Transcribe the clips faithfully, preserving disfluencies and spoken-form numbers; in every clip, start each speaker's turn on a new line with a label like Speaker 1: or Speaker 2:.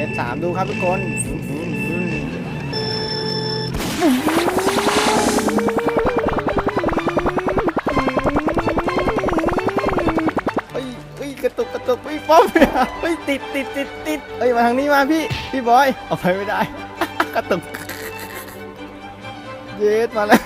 Speaker 1: สสามดูครับทุกคนเฮ้ยเฮ้ยกระตุกกระตุกเฮ้ยป้อมเฮ้ยติดติดติดติดเฮ้ยมาทางนี้มาพี่พี่บอยเอาไปไม่ได้กระตุกเยสมาแล้ว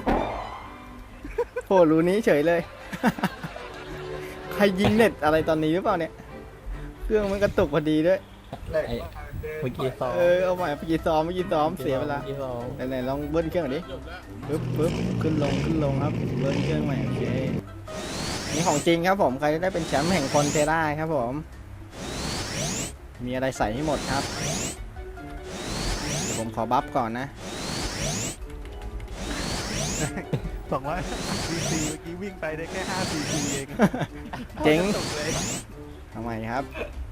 Speaker 1: โหรูนี้เฉยเลยใครยิงเน็ตอะไรตอนนี้หรือเปล่าเนี่ยเครื่องมันกระตุกพอดีด้วย
Speaker 2: เมื่อกี้ซ้อม
Speaker 1: เออเอาใหม่เมื่อกี้ซ้อมเมื่อกี้ซ้อมเสียเวลาไหนๆลองเบิ้ลเครื่องหน่อยดิปึ๊บปึ๊บขึ้นลงขึ้นลงครับเบิ้ลเครื่องใหม่โอเคนี่ของจริงครับผมใครได้เป็นแชมป์แห่งคอนเทราครับผมมีอะไรใส่ให้หมดครับเดี๋ยวผมขอบัฟก่อนนะ
Speaker 3: สองร้อยซีซีเมื่อกี้วิ่งไปได้แค่ห้าซีซีเอง
Speaker 1: เจ๋งทำไมครับ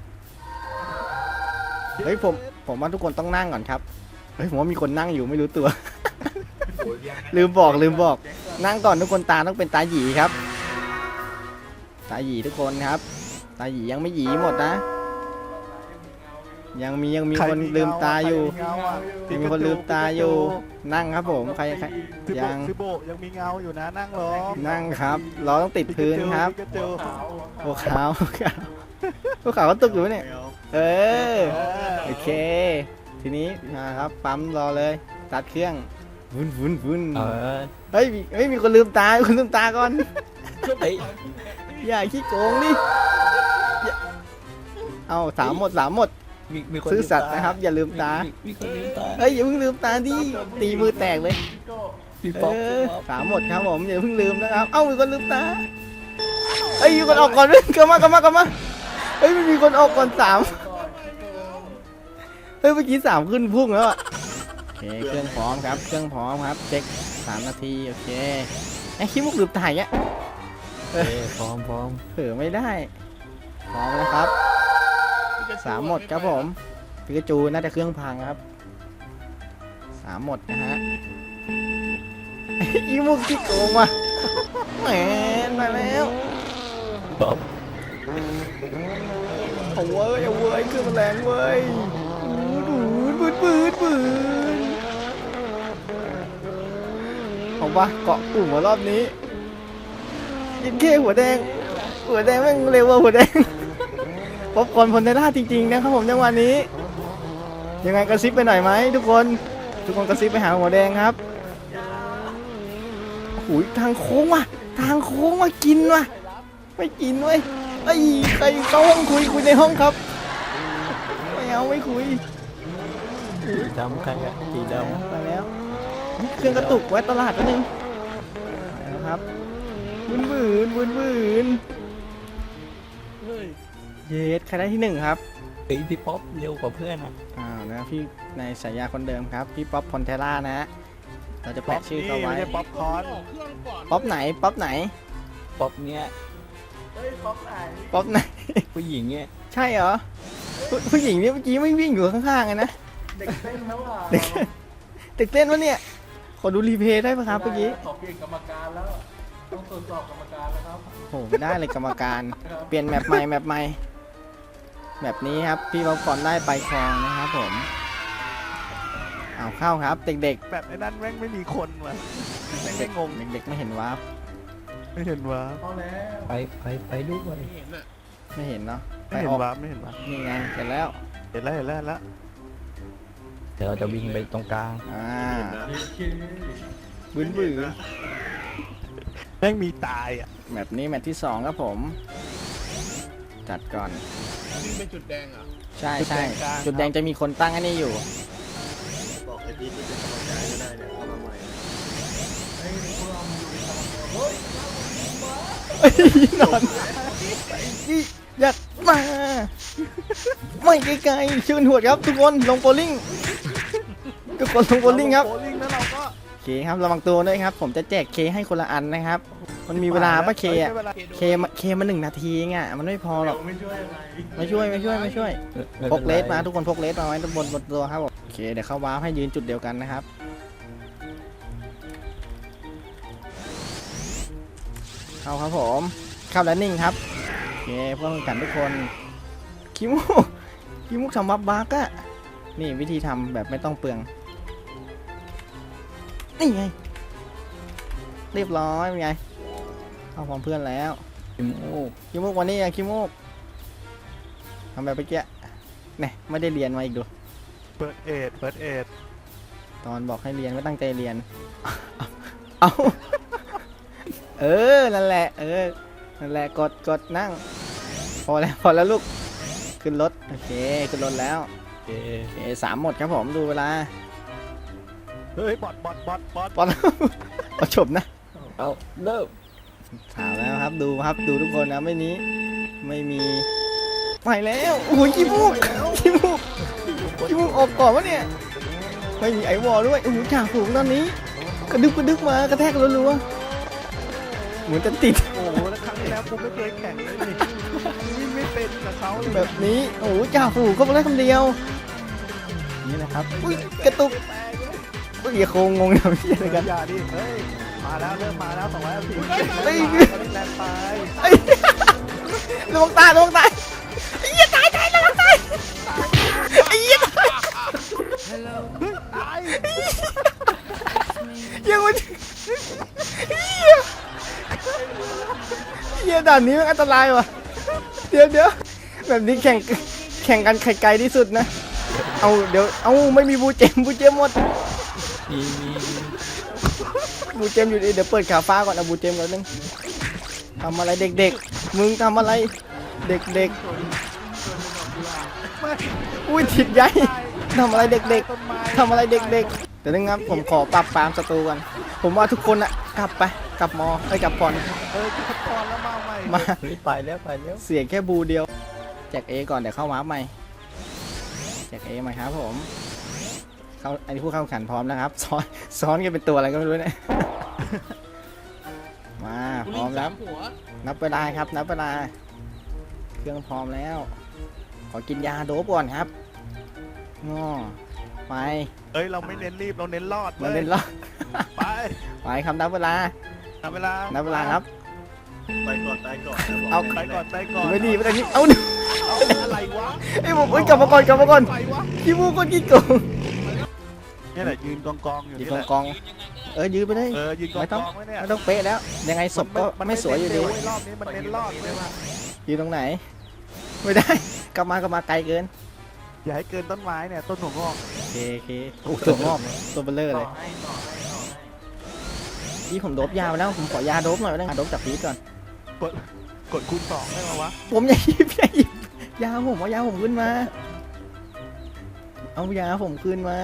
Speaker 1: เฮ้ยผมผมว่าทุกคนต้องนั่งก่อนครับเฮ้ยผมว่ามีคนนั่งอยู่ไม่รู้ตัว ลืมบอกลืมบอกนั่งก่อนทุกคนตาต้องเป็นตาหยีครับตาหยีทุกคนครับตาหยียังไม่หยีหมดนะยังมียังมีคนลืมตาอยู่ยังมีคนลืมตาอยู่นั่งครับผมใครใครยัง
Speaker 3: ซิโบยังมีเงาอยู่นะนั่งรอ
Speaker 1: นั่งครับเราต้องติดพื้นครับโอ้ขาวขาวพวกขาวก็ตกอยู่เนี่ยเออโอเคทีนี้มาครับปั๊มรอเลยตัดเครื่องวุ้นวุ้นวุ้นเฮ้ยเฮ้ยมีคนลืมตาคนลืมตาก่อนอย่าขี้โกงนี่เอาสามหมดสามหมดซื้อสัตว์นะครับอย่าลืมตาเฮ้ยอย่าเพิ่งลืมตาดิตีมือแตกเลยเออสามหมดครับผมอย่าเพิ่งลืมนะครับเอ้ามีคนลืมตาเฮ้ยมีคนออกก่อนเลยกลับมากลับมากลับมาเฮ้ยไม่มีคนออกก่อนสามเฮ้ยเมื่อกี้สามขึ้นพุ่งแล้วอ่ะโอเคเครื่องพร้อมครับเครื่องพร้อมครับเช็คสามนาทีโอเคไอ้ขี้มุกลืมตายอ่ะ
Speaker 2: เออพร้อมพร้อม
Speaker 1: เผลอไม่ได้พร้อมนะครับสามหมดครับผมพิกาจูน่าจะเครื่องพังครับสามหมดนะฮะอีมุกที่โกงว่ะแหมมาแล้ว
Speaker 2: บ๊อบ
Speaker 1: เอาเว้ยเอาเว้ยเครื่องมันแรงเว้ยปืนปืนปืนเอาปะเกาะกลุ่มมารอบนี้ยิงเข้หัวแดงหัวแดงแม่งเร็วกว่าหัวแดงป๊อปคอร์นพลเทล่าจริงๆนะครับผมจังหวะนี้ยังไงกระซิบไปหน่อยไหมทุกคนทุกคนกระซิบไปหาหัวแดงครับโอ้ยทางโค้งว่ะทางโค้งมากินว่ะไม่กินเว้ยไอ้ใครเข้าห้องคุยคุยในห้องครับไม่เอาไม่คุย
Speaker 2: สีดำใครอะสีด
Speaker 1: ำไปแล้วเครื่องกระตุกไว้ตลาดนิดนึงนะครับวืนวืนวืนวืนเยสใครได้ที่หนึ่งครับ
Speaker 2: ไอพี่ป๊อปเร็วกว่าเพื่อนอ่ะ
Speaker 1: อ้าวนะพี่ในฉายาคนเดิมครับพี่ป๊อปพอนเทล่านะเราจะแปะชื่อเขาไว้
Speaker 3: ป๊อปคอน
Speaker 1: ป๊อปไหนป๊อปไหน
Speaker 2: ป๊อปเนี้ย
Speaker 1: ป๊อปไหนป๊อปไหน
Speaker 2: ผู้หญิงเนี้ย
Speaker 1: ใช่เหรอผู้หญิงนี่เมื่อกี้ไม่วิ่งอยู่ข้างๆกันนะ
Speaker 4: เด็กเต้นแล้วอ่ะ
Speaker 1: เด็กเต้นวะเนี่ยขอดูรีเพย์ได้ไหมครับเมื่อกี้
Speaker 4: ขอเปลี่ยนกรรมการแล้วต้องตรวจสอบกรรมการแล้วครับ
Speaker 1: โอ้ไม่ได้เลยกรรมการเปลี่ยนแมปใหม่แมปใหม่แบบนี้ครับพี่ป๊อปคอร์นได้ไปครองนะครับผมเอาเข้าครับเด็ก
Speaker 3: ๆแบบไอ้นั่นแม่งไม่มีคนว่ะแม่งไม่งง
Speaker 1: เด็กๆไม่เห็นวาร์ป
Speaker 3: ไม่เห็นวาร์ป
Speaker 2: ไปไปไปดูไป
Speaker 1: ไม่เห็นเนาะ
Speaker 3: ไม่เห็นวาร์ปไม่เห็นวาร์ป
Speaker 1: นี่ไงเห็นแล้ว
Speaker 3: เห็นแล้วเห็นแล้วแล้ว
Speaker 2: เดี๋ยวเราจะวิ่งไปตรงกลาง
Speaker 1: อ่าบื้นบื้น
Speaker 3: แม่งมีตายอ่ะ
Speaker 1: แบบนี้แมตช์ที่สองครับผมจัดก่อน
Speaker 4: วิ่งไปจุดแดงอ่ะ
Speaker 1: ใช่ใช่จุดแดงจะมีคนตั้งอันนี้อยู่
Speaker 4: บอกไอ้พีทที่เป็นกรรมการก็ได้เนี่ยเข้ามาใหม่ไอ้พวกเราอยู่ในกรรมการเฮ้ย
Speaker 1: ไอ้นอนนี่อยากมาไม่ไกลๆชื่นหัวครับทุกคนลงโบลิ่งทุกคนลงโบลิ่งครับ
Speaker 3: โบลิ่งแล้วเราก็
Speaker 1: เคครับระวังตัวด้วยครับผมจะแจกเคให้คนละอันนะครับมันมีเวลาป่ะเคอ่ะเคเคมาหนึ่งนาทีไงมันไม่พอหรอกไม่ช่วยไม่ช่วยไม่ช่วยไม่ช่วยพกเลสมาทุกคนพกเลสมาไว้บนบนตัวครับผมโอเคเดี๋ยวเข้าวาร์ปให้ยืนจุดเดียวกันนะครับเข้าครับผมเข้าแล้วนิ่งครับโอเคเพื่อนกันทุกคนคิมูขี้มุกทำบัฟบักอะนี่วิธีทำแบบไม่ต้องเปลืองนี่ไงเรียบร้อยเป็นไงเอาพร้อมเพื่อนแล้ว
Speaker 2: ขี้มูก
Speaker 1: ขี้มุกวันนี้อะขี้มุกทำแบบเมื่อกี้เนี่ยไม่ได้เรียนมาอีกดู
Speaker 3: เปิดเอ็ดเปิดเอ็ด
Speaker 1: ตอนบอกให้เรียนไม่ตั้งใจเรียน เอาเออ นั่นแหละ เออ นั่นแหละ กด กด นั่ง พอแล้ว พอแล้วลูก ขึ้นรถ โอเค ขึ้นรถแล้ว
Speaker 2: โอเค
Speaker 1: โอเคสามหมดครับผม ดูเวลา
Speaker 3: เฮ้ยบอดบอดบอดบอด
Speaker 1: ปอน ประชมนะ
Speaker 2: เอาเริ่ม
Speaker 1: ถามแล้วครับ ดูครับ ดูทุกคนนะ ไม่นี้ ไม่มี ไปแล้ว โอ้ยขี้มูกขี้มูกขี้มูกออกก่อนวะเนี่ย ไม่มีไอวอลด้วย โอ้โหจ่าฝูงตอนนี้ กระดึบกระดึบมากระแทกรัวๆเหมือนจะติด
Speaker 3: โอ้โหแล้วครั้งที่แล้วกูไม่เคยแข่งเลยนี่วิ่งไม่เป็นกับเขาเลย
Speaker 1: แบบนี้โอ้โหจ่าฝูงก็มาได้คำเดียวนี่นะครับอุ้ยกระตุกอุ้ยอย่าโคงงงนะพี่อะไรกัน
Speaker 3: อย่าดิเฮ้ยมาแล้วเริ่มมาแล้วสองร้อยสี่สิบ
Speaker 1: เฮ้ย
Speaker 3: แรงไป
Speaker 1: ไอ้ระวังตายระวังตายไอ้เหี้ยตายตายระวังตายไอ้เหี้ยตาย
Speaker 3: ตาย
Speaker 1: ยังมันเหี้ยเหี้ยด่านนี้มันอันตรายว่ะเดี๋ยวเดี๋ยวแบบนี้แข่งแข่งกันใครไกลที่สุดนะเอาเดี๋ยวเอาไม่มีบูเจมบูเจมหมด
Speaker 2: มีมีมี
Speaker 1: บูเจมอยู่ดีเดี๋ยวเปิดขาฟ้าก่อนเอาบูเจมก่อนนึงทำอะไรเด็กๆมึงทำอะไรเด็กๆอุ้ยถิดใหญ่ทำอะไรเด็กๆทำอะไรเด็กๆเดี๋ยวนะครับผมขอปรับปรามศัตรูกันผมว่าทุกคนอะกลับไปกลับมอไปกลับก่อน
Speaker 3: เออกูพอนแล้วมาใหม่
Speaker 1: มา
Speaker 2: เฮ้ยไปแล้วไปแล้ว
Speaker 1: เสียแค่บูเดียวแจกเอก่อนเดี๋ยวเข้าวาร์ปใหม่แจกเอใหม่ครับผมเข้าอันนี้ผู้เข้าแข่งขันพร้อมนะครับซ้อนซ้อนกันเป็นตัวอะไรก็ไม่รู้เนี่ย มาพร้อมแล้วนับเวลาครับนับเวลาเครื่องพร้อมแล้ว ขอกินยาโดบก่อนครับง้อไป
Speaker 3: เอ้ยเราไม่เน้นรีบเราเน้นรอด
Speaker 1: มาเล่นล้อ
Speaker 3: ไป
Speaker 1: ไปครับนับเวลา
Speaker 3: นับเวลา
Speaker 1: นับเวลาครับ
Speaker 4: ไปก่อนตายก่อนนะบ
Speaker 1: เอา
Speaker 3: ไปก่อนไปก่อน
Speaker 1: ไม่ดีไม่ได้นี่เอาดู
Speaker 3: เอาอะไรวะ
Speaker 1: ไอ้ผมเอ้ยกลับมาก่อนกลับมาก่อน
Speaker 3: ไปวะ
Speaker 1: ขี้มูกคนขี้โกง
Speaker 3: เนี่ยแหละยืนกองกองๆอยู่
Speaker 1: ยืน
Speaker 3: นี่
Speaker 1: กอง
Speaker 3: แหละ
Speaker 1: กองเออยืนไปเลย
Speaker 3: เออยืนกอง
Speaker 1: ไม่
Speaker 3: ก
Speaker 1: ต้อง
Speaker 3: องไว้เนี่ย
Speaker 1: ไม่ต้องเป๊ะแล้วยังไงศพก็ไม่สวยอยู่ดี
Speaker 3: เน้นเร็วเว้รอบนี้มันเน้นรอดเลยว่ะ
Speaker 1: ยืนตรงไหน ไม่ได้ กลับมากลับมาไกลเกิน
Speaker 3: อย่าให้เกินต้นไม้เนี่ยต้นหัวงอก
Speaker 1: โอเคโอเคโอ้ตัวงอกตัวเบลเลอร์เลยนี่ผมโดบยาไปแล้วผมขอยาโดบหน่อยได้ไหมโดบจากพีทก่อน
Speaker 3: กดกดคูณสองได้ไหมวะ
Speaker 1: ผมอย่าหยิบอย่าหยิบยาผมเอายาผมขึ้นมา เอายาผมขึ้นมา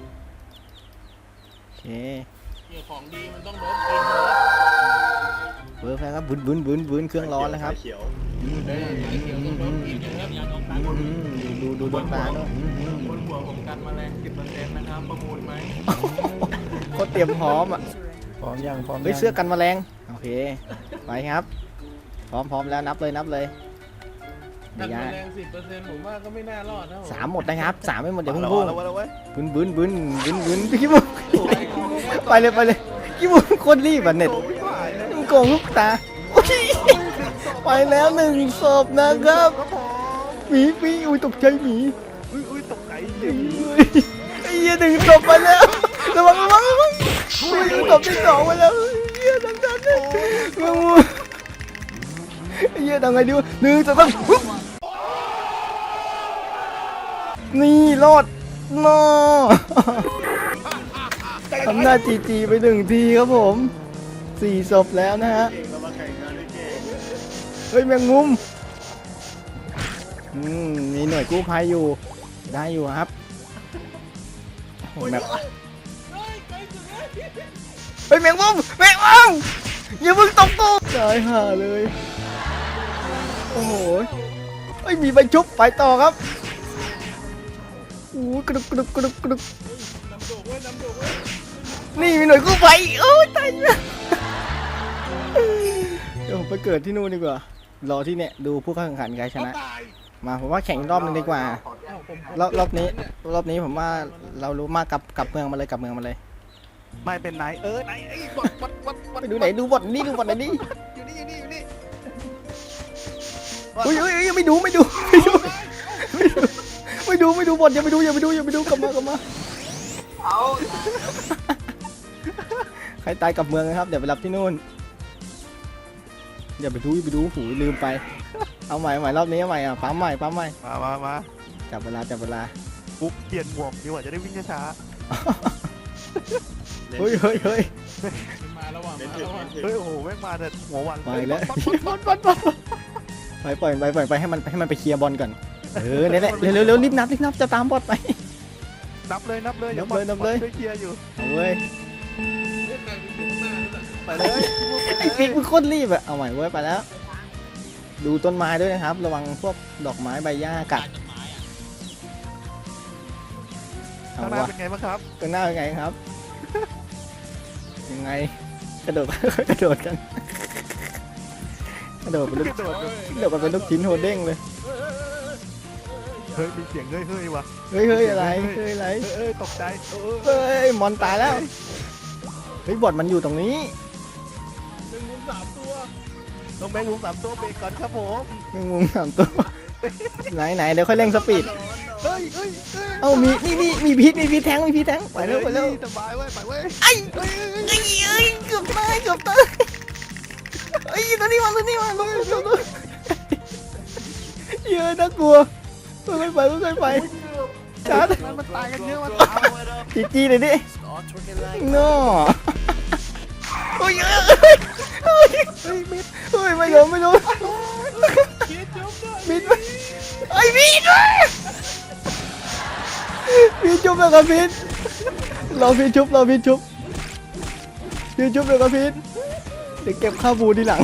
Speaker 1: โอเค
Speaker 5: ของดีมันต้องโดนกินเลย
Speaker 1: เบิร์ฟแล้วครับบุนบุนบุนบุนเครื่องร้อนแล้วครับ
Speaker 4: เขียว
Speaker 1: อืม
Speaker 5: เออไอ้เขียวต้องโดนกินนะครับอย่าโดนตา
Speaker 1: อืมดูดูดูดวงตาด้วยอืมอืม
Speaker 5: บนหัวผมกันแมลงสิบเปอร์เซ็นต์นะครับประมูลไหม
Speaker 1: โคตรเตรียมพร้อมอ่ะ
Speaker 2: พร้อมยังพร้อม
Speaker 1: เฮ้ย
Speaker 2: ยัง
Speaker 1: เสื้อกันแมลงโอเคไปครับ พร้อมพร้อมแล้วนับเลยนับเลย
Speaker 5: กั
Speaker 1: เดี๋ย
Speaker 5: น
Speaker 1: ว
Speaker 5: แม
Speaker 1: ยา
Speaker 5: ลงสิบเปอร์เซ็นต์ผมว่าก็ไม่น่ารอดนะผม
Speaker 1: สามหมดนะครับสามไม่หมดอย่าเพิ่ง
Speaker 3: แล้ว
Speaker 1: พูด
Speaker 3: แล้วแล้วเว้ย
Speaker 1: บึนบึนบึนบึนบึนพี่บุ้งไปเลยไปเลยพี่บุ้งโคตรรีบอ่ะเน็ต
Speaker 3: โอ้ยหายเลย
Speaker 1: มึงโกงลูกตาโอ้ยไปแล้วหนึ่งศพนะครับ
Speaker 3: ครับผม
Speaker 1: หมีหมีอุ้ยตกใจหมี
Speaker 3: อุ้ยอุ้ยตกใจเหี้ย
Speaker 1: อุ้ยไอ้เหี้ยหนึ่งศพไปแล้วระวังระวังระวังอุ้ยศพที่สองไปแล้วเหี้ยดันดันเลยมึงไอ้เหี้ยทำไงดีวะหนึ่งสองสามปุ๊บนี่รอดนอทำหน้าจีจีไปหนึ่งทีครับผมสี่ศพแล้วนะฮะ
Speaker 4: เก่งเรามาแข่งกันด้วยเก่ง
Speaker 1: เฮ้ยแมงมุมอืมมีหน่วยกู้ภัยอยู่ได้อยู่ครับโอ้โหแบบเฮ้ยแมงมุมแมงมุมอย่าเพิ่งตกกูตายห่าเลยโอ้โหเฮ้ยมีใบชุบไปต่อครับโอ้ยกระดุกกระดุกกระดุกกระดุกนี่มีหน่วยกู้ภัยโอ้ยตายแล้วเดี๋ยวผมไปเกิดที่นู่นดีกว่ารอที่เนี่ยดูผู้เข้าแข่งขันใครชนะ มาผมว่าแข่งอีกรอบนึงดีกว่า รอบรอบนี้รอบนี้ผมว่าเรารู้มากกลับกลับเมืองมาเลยกลับเมืองมาเลย
Speaker 3: ไม่เป็นไหนเออไหนไอ้บอดบอดบอดบอด
Speaker 1: ไปดูไหนดูบอลนี่ดูบอลไหนนี่
Speaker 3: อยู่นี่อยู่นี่อยู่นี่
Speaker 1: อุ้ยอุ้ยอุ้ยไม่ดูไม่ดูไม่ดูไม่ดูดูบทอย่าไปดูอย่าไปดูอย่าไปดูกลับมากลับมา
Speaker 4: เอา
Speaker 1: ใครตายกลับเมืองนะครับเดี๋ยวไปรับที่นู่นอย่าไปดูอย่าไปดูหูลืมไปเอาใหม่เอาใหม่รอบนี้เอาใหม่อ่ะปั๊มใหม่ปั๊มใหม่
Speaker 3: มามามา
Speaker 1: จับเวลาจับเวลา
Speaker 3: ปุ๊บเปลี่ยนหมวกดีกว่าจะได้วิ่งช้า
Speaker 1: เฮ้ยเฮ้ยเฮ้ย
Speaker 5: มาระหว่าง
Speaker 4: เน้น
Speaker 5: มา
Speaker 4: ถึง
Speaker 5: ระหว่าง
Speaker 4: เน้นถึง
Speaker 3: ๆเฮ้ยโอ้โหแม่งมาแต่หัววัน
Speaker 1: ไปแล้ว
Speaker 3: ปั๊บปั๊บปั๊บปั๊บ
Speaker 1: ไปปล่อยไปปล่อยไปให้มันให้มันไปเคลียร์บอลก่อนเออเนี่ยแหละเร็วเร็วเร็วรีบนับรีบนับจะตามบอลไป
Speaker 3: นับเลยนับเลย
Speaker 1: นับเลยนับเลย
Speaker 3: ช่วยเคลียร์อยู่
Speaker 1: เอาเว้ย
Speaker 3: ไปเลย
Speaker 1: ไอ้ปิ๊กมันโคตรรีบอะเอาใหม่เว้ยไปแล้ว ดูต้นไม้ด้วยนะครับ ระวังพวกดอกไม้ใบหญ้ากัดเอา
Speaker 3: ข้างหน้าว
Speaker 1: ะ
Speaker 3: เป็นไงบ้างครับ
Speaker 1: ข้างหน้าเป็นไงครับ ยังไงกระโดด กระโดดกันกระโดดเป็นลูก
Speaker 3: กระโดดแบบ
Speaker 1: กระโดดกันเป็นลูกชิ้นโฮเด้งเลย
Speaker 3: เฮ้ยมีเสียงเฮ้ยเฮ้ยว่ะ
Speaker 1: เฮ้ยเฮ้ยอะไรเฮ้ยอะไร
Speaker 3: เอ้ยตกใจเออ
Speaker 1: เฮ้ยมอนตายแล้วเฮ้ยบอดมันอยู่ตรงนี้
Speaker 5: หนึ่งมุมสามตัว
Speaker 3: ลงแบงค์ลุงสามตัวเบรกก่อนครับผม
Speaker 1: แมงมุมสามตัวไหนไหนเดี๋ยวค่อยเร่งสปีด
Speaker 3: เฮ้ยเฮ้ยเฮ้ย
Speaker 1: เอ้ามีนี่นี่มีพีทมีพีทแทงมีพีทแทงไปเร็วไปเร็ว
Speaker 3: สบายเว้ยไปเว้ย
Speaker 1: ไอ้ไอ้ไอ้เอ้ยเกือบตายเกือบตายไอ้ตัวนี้มาตัวนี้มาตัวนี้ตัวนี้เยอะน่ากลัวค่อยๆไปค่อยๆไปชาร์จ
Speaker 3: มันมันตายกันเยอะมัน
Speaker 1: จีจีเลยดิโน่โอ้ยเอ้ยเฮ้ยเฮ้ยมิดเฮ้ยไม่โดนไม่โดน
Speaker 5: คิดจุ๊บด้วย
Speaker 1: มิดไอ้มิดพี่จุ๊บเลยครับพี่รอพี่จุ๊บรอพี่จุ๊บพี่จุ๊บเลยครับพี่เดี๋ยวเก็บข้าวบูทีหลัง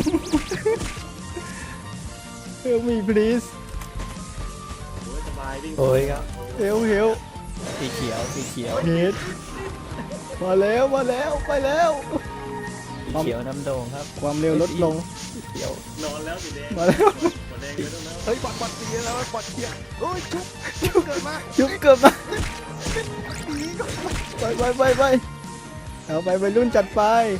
Speaker 1: เฮลมี please
Speaker 4: โอ้ยสบายวิ่ง
Speaker 2: โอ้ยครับ
Speaker 1: เฮลเฮล
Speaker 2: สีเขียวสีเขียว
Speaker 1: เฮดมาแล้วมาแล้วไปแล้ว
Speaker 2: สีเขียวน้ำโด่งครับ
Speaker 1: ความเร็วลดลง
Speaker 2: สีเขียวน
Speaker 4: อนแล้วสีแดง
Speaker 1: มาแล้ว
Speaker 4: หัวแดงไม่ต้องแล้ว
Speaker 3: เฮ้ยบอดบอดตีแล้วบอดเคลียร์โอ้ยชุบชุบเกิดมา
Speaker 1: จุ๊บเกือบมาไปไปไปไปเอาไปไปรุ่นจัดไป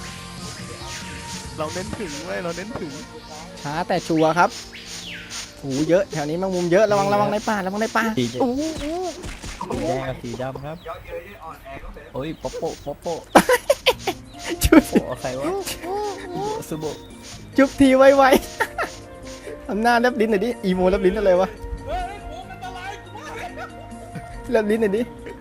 Speaker 3: เราเน้นถึงเว้ยเราเน้นถึง
Speaker 1: ช้าแต่ชัวร์ครับหูเยอะแถวนี้แมงมุมเยอะระวังระวังในป่าระวังในป่า
Speaker 2: สีแดง
Speaker 3: อู้อู้
Speaker 2: สีแดงกับสีดำครับโอ้ยป๊อปโปป๊อปโป
Speaker 1: จุ๊บ
Speaker 2: โอ้ใครวะซูโบ
Speaker 1: จุ๊บทีไวๆทำหน้าแลบลิ้นหน่อยดิอีโมแลบลิ้นอะไรวะ
Speaker 5: เฮ้ยโอ้อันตรายกูว่า
Speaker 1: แลบลิ้นหน่อยดิ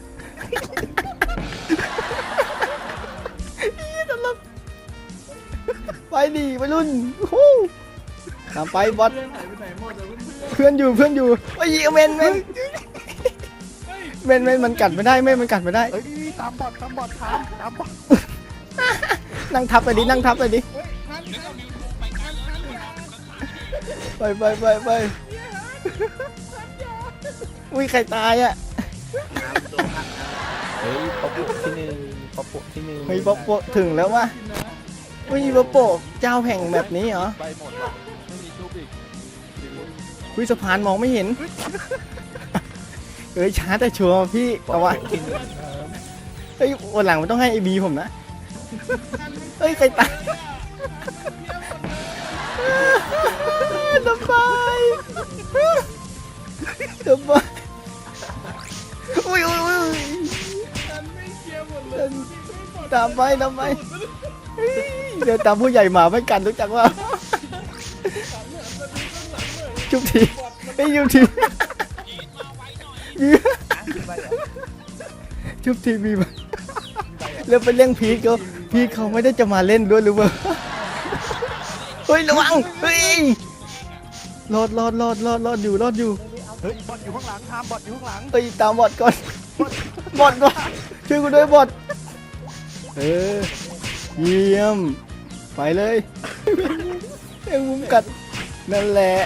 Speaker 1: อีตลกไปดิไปรุ่นฮู้ตามไปบอส
Speaker 5: เพื่อนหายไปไหนหมดเลยเพื่อน
Speaker 1: เพื่อนอยู่เพื่อนอยู่ไอ้ยเมนเมนเมนเมนมันกัดไม่ได้เมนมันกัดไม่ได้
Speaker 3: เฮ้ยนี่ตามบอดตามบอดตามตามบอด
Speaker 1: นั่งทับไปดินั่งทับไปดิ
Speaker 5: เฮ้ยทันทันไปทันทันทัน
Speaker 1: ไปไปไปไปอุ้ยใครตายอ่ะ
Speaker 4: น้ำตัวพักน้ำ
Speaker 2: เฮ้ยป๊อปโปที่หนึ่งป๊อปโปที่หนึ่ง
Speaker 1: เฮ้ยป๊อปโปถึงแล้ววะอุ้ยป๊อปโปเจ้าแห่งแบบนี้เหรอ
Speaker 3: ไปหมดว่ะไม่มีชุบอีก
Speaker 1: อุ้ยสะพานมองไม่เห็นเอ้ยช้าแต่ชัวร์พี่
Speaker 2: ป๊อ
Speaker 1: เอา
Speaker 2: ป
Speaker 1: วะ
Speaker 2: โปที่หนึ่งครับ
Speaker 1: เฮ้ยวันหลังมันต้องให้ไอบีผมนะเฮ้ยใครตายสบายสบายอุ้ยอุ้ยอุ้ย
Speaker 5: ทันไม่เคลียร์หมดเลย
Speaker 1: ตามไปตามไปเฮ้ยเดี๋ยวตามผู้ใหญ่หมาไม่กันรู้จักว่าจุ๊บทีไอ้ยจุ๊บทีจุ๊บทีมีมาแล้วไปเลี้ยงพีทเขาพีทเขาไม่ได้จะมาเล่นด้วยหรือเปล่าเฮ้ยระวังเฮ้ยรอดรอดรอดรอดรอดอยู่รอดอยู่
Speaker 3: เฮ้ยบอดอยู่ข้างหลังตามบอดอยู่ข้างหลัง
Speaker 1: เฮ้ยตามบอดก่อนบอดก่อนช่วยกูด้วยบอดเออเยี่ยมไปเลยเอ็งมุมกัดนั่นแหละ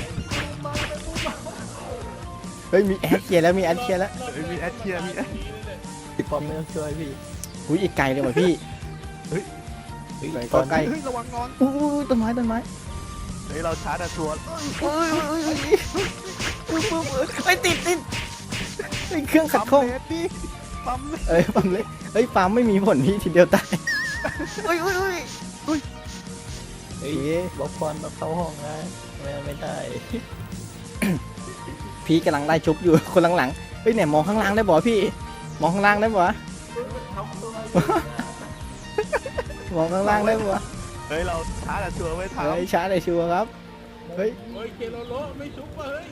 Speaker 1: เฮ้ยมีแอดเคลียร์แล้วมีแอดเคลียร์แล้ว
Speaker 3: เฮ้ยมีแอดเชียร์มีแอด
Speaker 2: พี่ป๊อปไม่ต้องช่วยพี่
Speaker 1: อุ้ยอีกไกลเลยว่ะพี่
Speaker 2: เฮ้ย
Speaker 1: ไหน
Speaker 2: ต
Speaker 1: ก็
Speaker 2: อน
Speaker 1: ใกล้
Speaker 3: เฮ้ยระวังนอน
Speaker 1: อุ้ยต้นไม้ต้นไม้
Speaker 3: เฮ้ยเราชาร์จอะชัวร์
Speaker 1: อุ้ยอุ้ยอุ้ยอุ้ยปุ๊บปุ๊บเฮ้ยติดติดเฮ้ยเครื่องขัดข้อง
Speaker 3: ปั๊มเลสดิปั๊มเลส
Speaker 1: เอ้ยปั๊มเลยเฮ้ยปั๊มไม่มีผลพี่ทีเดียวตายอุ้ยอุ้ยอุ้ย
Speaker 2: เฮ้ย
Speaker 1: เอ๊ะ
Speaker 2: บ๊อบพรมาเข้าห้องนะไม่ไม่ได้
Speaker 1: พี่กำลังไล่ชุบอยู่คนหลังๆเฮ้ยเนี่ยมองข้างล่างได้บ่พี่ มองข้างล่างได้บ่ มองข้างล่างได้บ่
Speaker 3: เฮ้ยเราช้าแต่ชัวร์ไม่ทัน
Speaker 1: เฮ้ยช้าเลยชัวร์ครับเฮ้ย
Speaker 5: เฮ้ยเคโลโลไม่ชุบว่ะเฮ้ย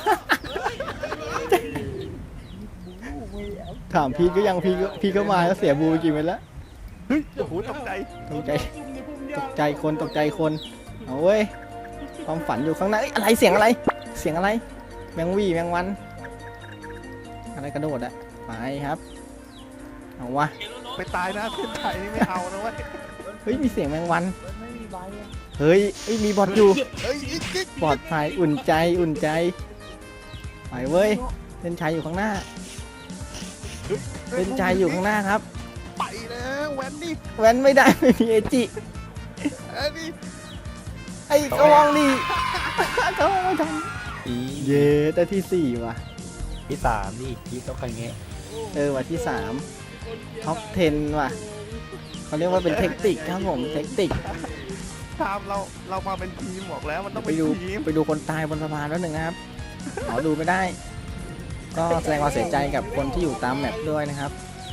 Speaker 1: ถามพีทก็ยังพีทก็พีทก็มาแล้วเสียบูไปกี่เม็ดแล้ว
Speaker 3: เฮ้ยโอ้โหตกใจ
Speaker 1: ตกใจตกใจคนตกใจคนเอาเว้ยความฝันอยู่ข้างหน้าเอ้ยอะไรเสียงอะไร เสียงอะไรแมงวี่แมงวันอะไรกระโดดอะไปครับเอาวะ
Speaker 3: ไปตายนะเส้นชัยนี่ไม่เอานะเว้ย
Speaker 1: เฮ้ยมีเสียงแมงวันเฮ้ยเฮ้ยมีบอทอยู่
Speaker 3: เฮ้ยอีกอีก
Speaker 1: ปลอดภัยอุ่นใจอุ่นใจไปเว้ยเส้นชัยอยู่ข้างหน้าเส้นชัยอยู่ข้างหน้าครับ
Speaker 3: ไปแล้วแวนนี่
Speaker 1: แว้นไม่ได้ไม่มีเอจิ
Speaker 3: เอ้ยนี่
Speaker 1: ไอ้กระวองนี่กระวองไม่ทัน
Speaker 2: อี
Speaker 1: เย้ได้ที่สี่ว่ะ
Speaker 2: ที่สามนี่ที่ต้องใครเงี้ย
Speaker 1: เออว่ะที่สามท็อปสิบว่ะเขาเรียกว่าเป็นเทคนิคครับผมเทคนิค
Speaker 3: ตามเราเรามาเป็นทีมบอกแล้วมันต้อง
Speaker 1: ไป
Speaker 3: เป็น
Speaker 1: ดู
Speaker 3: ทีม
Speaker 1: ไปดูคนตายบนสะพานแล้วหนึ่งนะครับขอดูไม่ได้ ก็แสดงความเสียใจกับคนที่อยู่ตามแมปด้วยนะครับ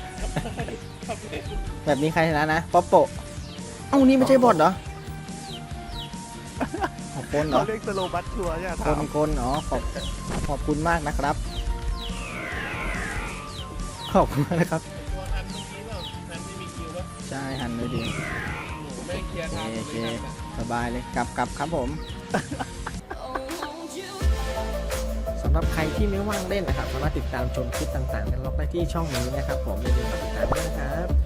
Speaker 1: แบบนี้ใครชนะนะป๊อปโปะเอ้านี่ไม่ใช่บอทเหรอขอบคนเหร
Speaker 3: เขา
Speaker 1: อ
Speaker 3: เรียกสโลบัตชัวร์ใช่ไหม
Speaker 1: ค
Speaker 3: ถาม
Speaker 1: นคนอ๋อขอบขอบคุณมากนะครับ ขอบคุณมากนะครับ
Speaker 5: ตัวอันเมื่อกี้แบบนั้นไม่มีคิวแล้ว
Speaker 1: ใช่หันเลยดี
Speaker 5: หนูไม่เคลียร์ทาง
Speaker 1: โอเค
Speaker 5: ไม่ทัน
Speaker 1: สบายเลยกลับกลับครับผมสำหรับใครที่ไม่ว่างเล่นนะครับสามารถติดตามชมคลิปต่างๆได้ล็อกได้ที่ช่องนี้นะครับผมอย่าลืมกดติดตามด้วยนะครับ